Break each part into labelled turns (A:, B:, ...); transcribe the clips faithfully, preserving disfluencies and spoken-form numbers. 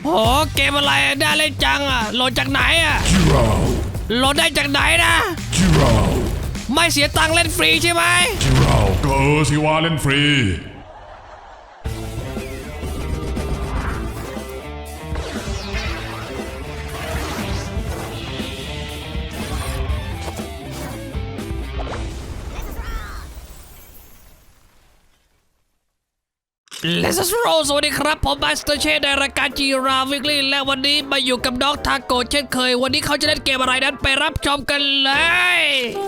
A: โอ้เกมอะไรได้เล่นจังอ่ะโหลดจากไหนอ่ะโหลดได้จากไหนนะไม่เสียตังค์เล่นฟรีใช่ไหม
B: ก็เออสิว่าเล่นฟรี
A: เลสโรสวัสดีครับผมมาสเตอร์เชฟในรายการจีราวิกลี่และวันนี้มาอยู่กับน้องทาโกะเช่นเคยวันนี้เขาจะเล่นเกมอะไรนั้นไปรับชมกันเลย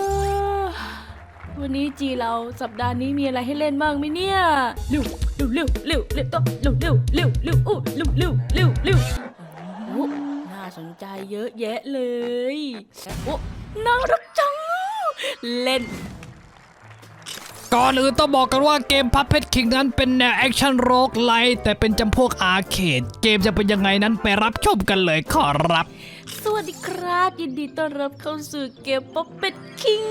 C: วันนี้จีเราสัปดาห์นี้มีอะไรให้เล่นบ้างไหมเนี่ยเร็วเร็วเร็วเร็วเร็วเร็วเร็วเร็วเร็วอู้เร็วเร็วเร็วเร็วโอ้น่าสนใจเยอะแยะเลยโอ้น่ารักจังเล่น
A: ก่อนอื่นต้องบอกกันว่าเกม Puppet King นั้นเป็นแนวแอคชั่นโรคไลท์แต่เป็นจำพวกอาร์เคดเกมจะเป็นยังไงนั้นไปรับชมกันเลยขอรับ
C: สวัสดีครับยินดีต้อนรับเข้าสู่เกม Puppet King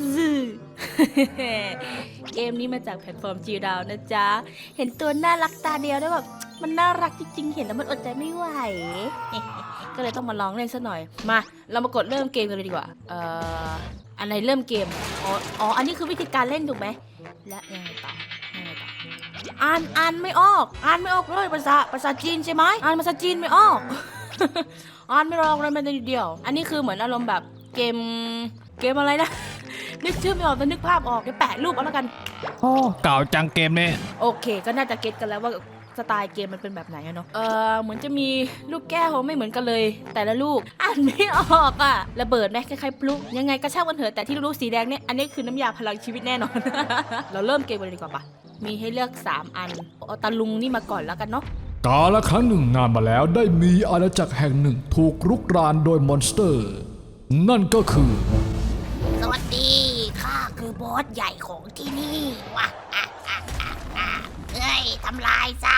C: เกมนี้มาจากแพลตฟอร์ม จี ดาว นะจ๊ะเห็นตัวน่ารักตาเดียวได้แบบมันน่ารักจริงๆเห็นแล้วมันอดใจไม่ไหวก็เลยต้องมาลองเล่นซะหน่อยมาเรามากดเริ่มเกมกันเลยดีกว่าเอ่ออะไรเริ่มเกมอ๋ออ๋ออันนี้คือวิธีการเล่นถูกไหมและยังไงต่อยังไงต่ออ่านอ่านไม่ออกอ่านไม่ออกเลยภาษาภาษาจีนใช่ไหมอ่านภาษาจีนไม่ออก อ่านไม่ออกเลยแม้แต่นิดเดียวอันนี้คือเหมือนอารมณ์แบบเกมเกมอะไรนะนึกชื่อไม่ออกแต่นึกภาพออกเดี๋ยวแปะรูปเอาแล้วกัน
A: โอ้เก่าจังเกมนี้
C: โอเคก็น่าจะเก็ตกันแล้วว่าสไตล์เกมมันเป็นแบบไหนอะเนาะเออเหมือนจะมีลูกแก้วไม่เหมือนกันเลยแต่ละลูกอ่านไม่ออกอะระเบิดไหมคล้ายๆพลุยังไงก็ช่างมันเถอะแต่ที่ลูกสีแดงเนี่ยอันนี้คือน้ำยาพลังชีวิตแน่นอน เราเริ่มเกมกันเลยดีกว่าปะมีให้เลือกสามอันเอาตาลุงนี่มาก่อนแล้วกันเนาะ
B: กาลครั้งหนึ่งนานมาแล้วได้มีอาณาจักรแห่งหนึ่งถูกรุกรานโดยมอนสเตอร์นั่นก็คือ
D: สวัสดีข้าคือบอสใหญ่ของที่นี่วะอ่ะอ่ะอ่ะอ่ะเฮ้ยทำลายซะ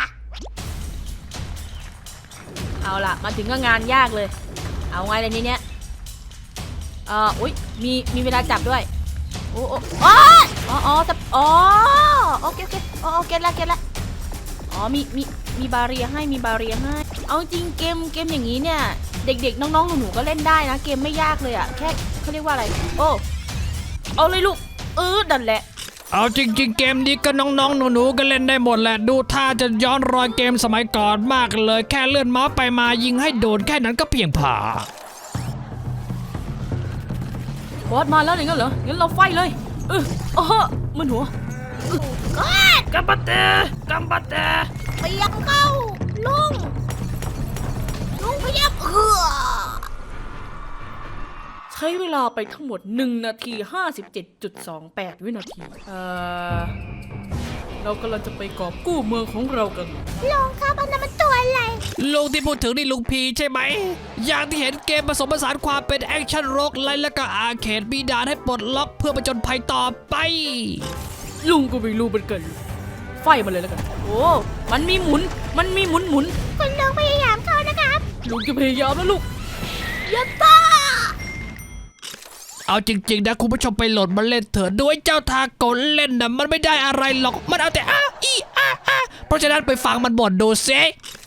C: เอาล่ะมาถึงก็งานยากเลยเอาไงเลยนี้เนี่ยเอ่ออุ้ยมีมีเวลาจับด้วยโอ้โอ้อ๋ออ๋ออ๋ออ๋อโอเคโอเคโอเคแล้วเก็ตแล้วอ๋อมีมีมีบาเรียให้มีบาเรียให้เอาจริงเกมเกมอย่างนี้เนี่ยเด็กๆน้องๆหนูๆก็เล่นได้นะเกมไม่ยากเลยอ่ะแค่เขาเรียกว่าอะไรโอ้เอาเลยลูกเออดันแหละ
A: เอาจริงๆเกมนี้ก็น้องๆหนูๆก็เล่นได้หมดแหละดูท่าจะย้อนรอยเกมสมัยก่อนมากเลยแค่เลื่อนเมาส์ไปมายิงให้โดนแค่นั้นก็เพียงพ
C: อบอสมาแล้วอย่างนั้นเหรองั้นเราไฟเลยเออโอ้โหมันหัว
D: กอด
A: กัมบัตเตกัมบัตเต
D: เปียกเข้าลุงลุงพยับเหือ
C: ใช้เวลาไปทั้งหมดหนึ่งนาทีห้าสิบเจ็ดจุดสองแปดวินาทีเอ่อเรากำลังจะไปกอบกู้เมืองของเรากัน
D: ลุงครับอันนั้นมันตัวอะไร
A: ลุงที่พูดถึงนี่ลุงพีใช่ไหมอย่างที่เห็นเกมผสมผสานความเป็นแอคชั่นโรคไลท์และก็อาร์เคดมีด่านให้ปลดล็อกเพื่อผจญภัยต่อไป
C: ลุงก็ไม่รู้เหมือนกันไฟมาเลยแล้วกันโอ้มันมีหมุนมันมีหมุนหมุน
D: คุณลุงพยายามเข้านะครับ
C: ลุงจะพยายามแล้วลูก
D: อย่าต้า
A: เอาจริงๆนะคุณผู้ชมไปโหลดมาเล่นเถอะด้วยเจ้าทาโกะเล่นนะมันไม่ได้อะไรหรอกมันเอาแต่อ้าอีอ้าอ้าเพราะฉะนั้นไปฟังมันบ่นดูซิ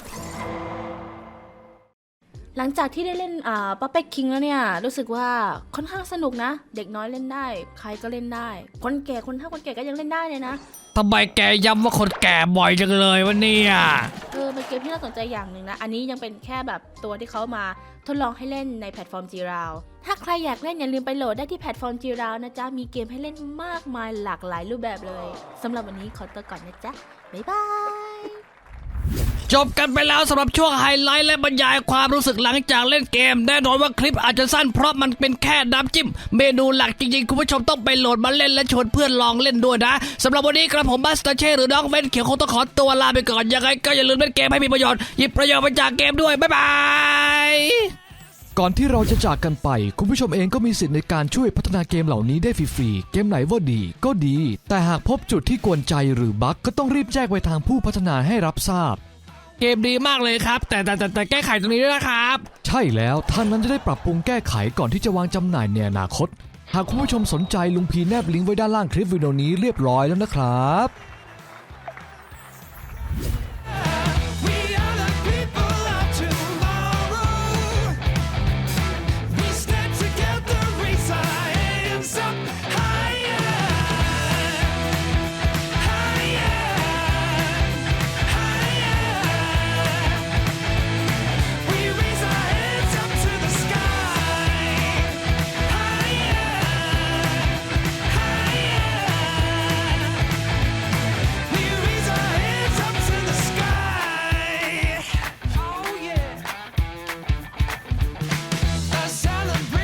C: หลังจากที่ได้เล่นอ่าป๊อปเป๊กคิงแล้วเนี่ยรู้สึกว่าค่อนข้างสนุกนะเด็กน้อยเล่นได้ใครก็เล่นได้คนแก่คนเฒ่าคนแก่ก็ยังเล่นได้เลยนะ
A: ทำไมแกย้ำว่าคนแก่บ่อยจังเลยวะเนี่ย
C: เออเป็นเกมที่น่าสนใจอย่างหนึ่งนะอันนี้ยังเป็นแค่แบบตัวที่เขามาทดลองให้เล่นในแพลตฟอร์ม จี ดาว ถ้าใครอยากเล่นอย่าลืมไปโหลดได้ที่แพลตฟอร์ม จี ดาว นะจ๊ะมีเกมให้เล่นมากมายหลากหลายรูปแบบเลยสำหรับวันนี้ขอตัวก่อนนะจ๊ะบ๊ายบาย
A: จบกันไปแล้วสำหรับช่วงไฮไลท์และบรรยายความรู้สึกหลังจากเล่นเกมแน่นอนว่าคลิปอาจจะสั้นเพราะมันเป็นแค่น้ำจิ้มเมนูหลักจริงๆคุณผู้ชมต้องไปโหลดมาเล่นและชวนเพื่อนลองเล่นด้วยนะสำหรับวันนี้กระผมบัสเตอร์เช่หรือน้องเว้นเขียวคงต้องขอตัวลาไปก่อนยังไงก็อย่าลืมเล่นเกมให้มีประโยชน์หยิบประโยชน์มาจากเกมด้วยบ๊ายบาย
B: ก่อนที่เราจะจากกันไปคุณผู้ชมเองก็มีสิทธิ์ในการช่วยพัฒนาเกมเหล่านี้ได้ฟรีๆเกมไหนว่าดีก็ดีแต่หากพบจุดที่กวนใจหรือบั๊กก็ต้องรีบแจ้งไปทางผู้พัฒนาให้รับทราบ
A: เกมดีมากเลยครับแต่แต่แต่แต่แก้ไขตรงนี้ด้วยนะครับ
B: ใช่แล้วท่านนั้นจะได้ปรับปรุงแก้ไขก่อนที่จะวางจำหน่ายในอนาคตหากคุณผู้ชมสนใจลุงพีแนบลิงก์ไว้ด้านล่างคลิปวิดีโอนี้เรียบร้อยแล้วนะครับ